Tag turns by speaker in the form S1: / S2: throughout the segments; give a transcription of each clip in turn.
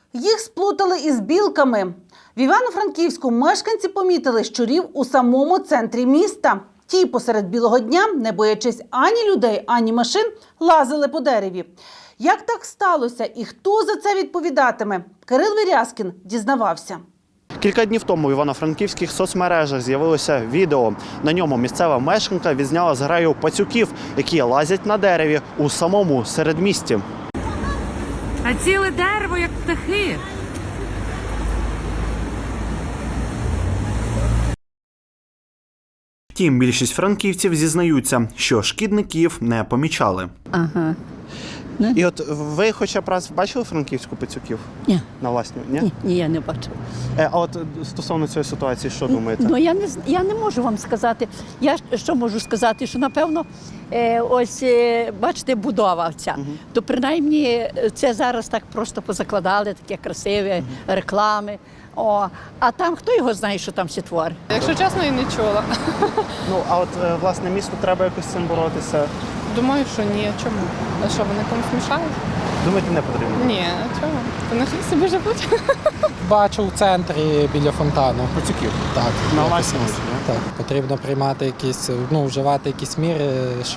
S1: Їх сплутали із білками. В Івано-Франківську мешканці помітили щурів у самому центрі міста. Ті посеред білого дня, не боячись ані людей, ані машин, лазили по дереві. Як так сталося і хто за це відповідатиме? Кирил Вірязкін дізнавався.
S2: Кілька днів тому в івано-франківських соцмережах з'явилося відео. На ньому місцева мешканка відзняла зграю пацюків, які лазять на дереві у самому середмісті.
S3: А ціле дерево, як птахи.
S2: Втім, більшість франківців зізнаються, що шкідників не помічали.
S4: Ага.
S2: І от ви хоча б раз бачили франківську пацюків?
S4: Ні.
S2: На власні?
S4: Ні, я не бачила.
S2: А от стосовно цієї ситуації, що думаєте?
S4: Ну, я не можу вам сказати. Я що можу сказати, що, напевно, бачите, будова ця. То, принаймні, це зараз так просто позакладали, таке красиве, реклами. А там, хто його знає, що там всі твори?
S5: Якщо чесно, і не чула.
S2: Ну, а от, власне, місту треба якось з цим боротися?
S5: Думаю, що ні. Чому? А що, вони комусь мішають?
S2: Думаєте, не потрібно?
S5: Ні, чого? То нехай собі живуть.
S6: Бачу в центрі біля фонтану.
S2: Пацюків?
S6: Так.
S2: На
S6: якось
S2: власні очі,
S6: так. Потрібно приймати якісь, вживати якісь міри,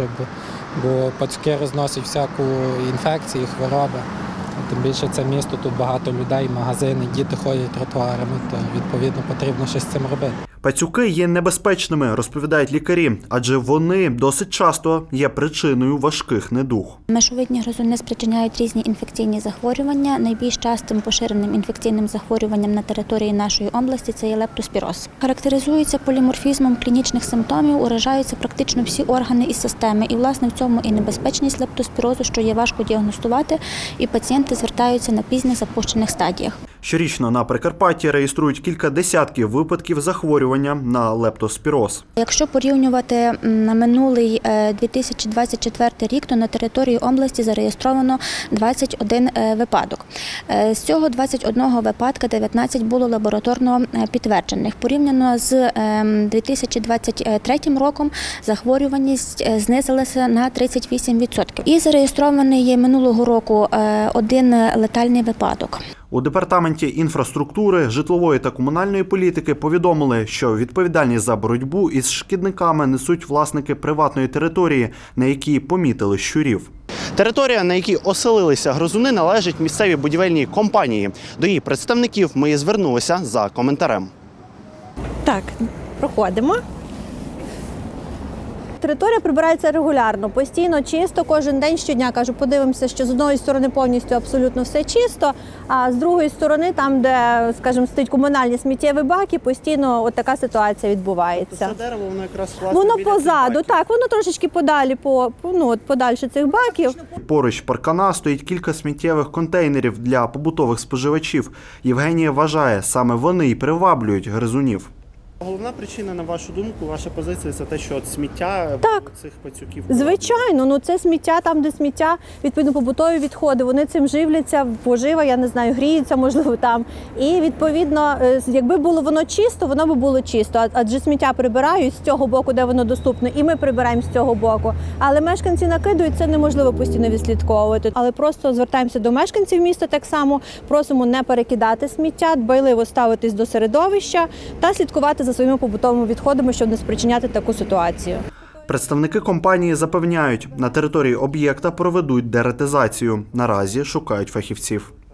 S6: бо пацюки розносять всяку інфекцію, хвороби. Тим більше це місто, тут багато людей, магазини, діти ходять тротуарами, то відповідно потрібно щось з цим робити.
S2: Пацюки є небезпечними, розповідають лікарі, адже вони досить часто є причиною важких недуг.
S7: Мешовидні гризуни спричиняють різні інфекційні захворювання. Найбільш частим поширеним інфекційним захворюванням на території нашої області це є лептоспіроз. Характеризується поліморфізмом клінічних симптомів, уражаються практично всі органи і системи. І, власне, в цьому і небезпечність лептоспірозу, що є важко діагностувати, і пацієнти звертаються на пізніх запущених стадіях.
S2: Щорічно на Прикарпатті реєструють кілька десятків випадків захворювання на лептоспіроз.
S7: Якщо порівнювати на минулий 2024 рік, то на території області зареєстровано 21 випадок. З цього 21 випадка 19 було лабораторно підтверджених. Порівняно з 2023 роком захворюваність знизилася на 38%. І зареєстрований минулого року один летальний випадок.
S2: У Департаменті інфраструктури, житлової та комунальної політики повідомили, що відповідальність за боротьбу із шкідниками несуть власники приватної території, на якій помітили щурів. Територія, на якій оселилися гризуни, належить місцевій будівельній компанії. До її представників ми і звернулися за коментарем.
S8: Так, проходимо. Територія прибирається регулярно, постійно чисто, кожен день, щодня. Кажу, подивимося, що з одної сторони повністю абсолютно все чисто, а з другої сторони, там, де, скажімо, стоять комунальні сміттєві баки, постійно от така ситуація відбувається.
S2: Це дерево, воно якраз
S8: Воно позаду, так, воно трошечки подалі, подальше цих баків.
S2: Поруч паркана стоїть кілька сміттєвих контейнерів для побутових споживачів. Євгенія вважає, саме вони й приваблюють гризунів. Головна причина, на вашу думку, ваша позиція – це те, що сміття цих пацюків?
S8: Звичайно, це сміття, там, де сміття, відповідно, побутові відходи, вони цим живляться, пожива, я не знаю, гріються, можливо, там. І, відповідно, якби було воно чисто, воно би було чисто, адже сміття прибирають з цього боку, де воно доступно, і ми прибираємо з цього боку. Але мешканці накидують, це неможливо постійно відслідковувати. Але просто звертаємося до мешканців міста так само, просимо не перекидати сміття, дбайливо ставитись до середовища та слідкувати за своїми побутовими відходами, щоб не спричиняти таку ситуацію.
S2: Представники компанії запевняють, на території об'єкта проведуть деретизацію. Наразі шукають фахівців.